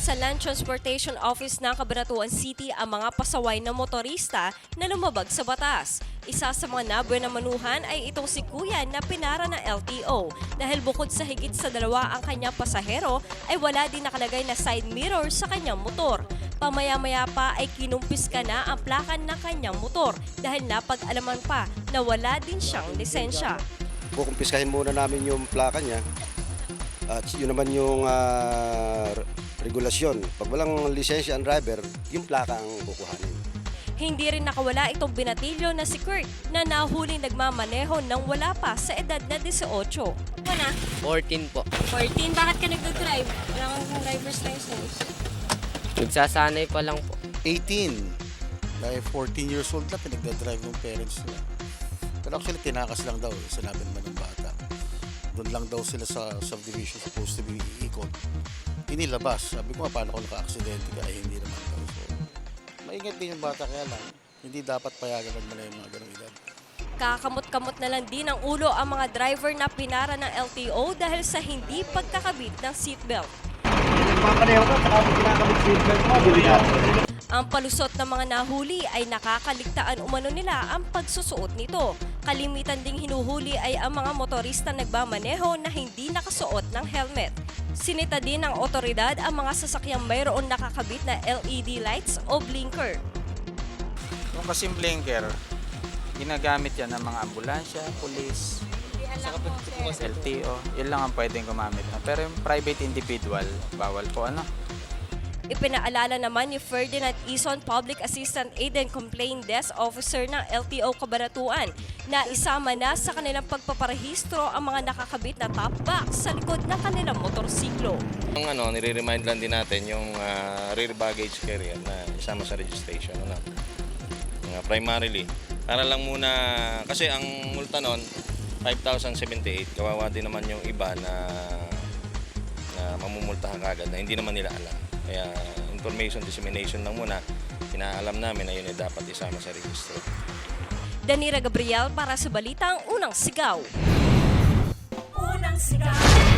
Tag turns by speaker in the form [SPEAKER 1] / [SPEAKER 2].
[SPEAKER 1] sa Land Transportation Office ng Cabanatuan City ang mga pasaway na motorista na lumabag sa batas. Isa sa mga nabuenamanuhan ay itong si Kuya na pinara ng LTO dahil bukod sa higit sa dalawa ang kanyang pasahero ay wala din nakalagay na side mirror sa kanyang motor. Pamaya-maya pa ay kinumpiska na ang plakan ng kanyang motor dahil napag-alaman pa na wala din siyang lisensya.
[SPEAKER 2] Kukumpiskahin muna namin yung plaka niya at yun naman yung regulasyon. Pag walang lisensya ang driver, yung plaka ang kukuhanin.
[SPEAKER 1] Hindi rin nakawala itong binatilyo na si Kurt na nahuling nagmamaneho nang wala pa sa edad na 18.
[SPEAKER 3] Wala.
[SPEAKER 4] 14 po.
[SPEAKER 3] 14. Bakit ka nag-drive? Wala kang driver's license.
[SPEAKER 4] Nagsasanay pa lang po.
[SPEAKER 5] 18. Dahil 14 years old na pinagdadrive ng parents nila. Pero actually tinakas lang daw, sinabi naman ng bata. Doon lang daw sila sa subdivision supposed to be iikot. Inilabas. Sabi ko paano kung naka-aksidente ka? Ay hindi naman daw. So, maingat din yung bata kaya lang. Hindi dapat payagan naman yung mga ganong edad.
[SPEAKER 1] Kakamot-kamot na lang din ang ulo ang mga driver na pinara ng LTO dahil sa hindi pagkakabit ng seatbelt. Ang palusot ng mga nahuli ay nakakaligtaan umano nila ang pagsusuot nito. Kalimitan ding hinuhuli ay ang mga motorista nagmamaneho na hindi nakasuot ng helmet. Sinita din ng otoridad ang mga sasakyang mayroon nakakabit na LED lights o blinker.
[SPEAKER 6] Kung kasing blinker, ginagamit yan ng mga ambulansya, pulis, LTO. Yun lang ang pwedeng gumamit. Pero yung private individual, bawal po ano.
[SPEAKER 1] Ipinaalala naman ni Ferdinand Ison, Public Assistant Aid and Complaint Desk Officer ng LTO Cabanatuan, na isama na sa kanilang pagpaparehistro ang mga nakakabit na top box sa likod ng kanilang motorsiklo.
[SPEAKER 7] Nire-remind lang din natin yung rear baggage carrier na isama sa registration. Primarily, para lang muna, kasi ang multa nun, 5,078. Kawawa din naman yung iba na mamumultahan kagad na hindi naman nila alam. Kaya information dissemination lang muna, pinaalam namin na yun ay dapat isama sa registro.
[SPEAKER 1] Danira Gabriel para sa Balitang Unang Sigaw.
[SPEAKER 8] Unang Sigaw.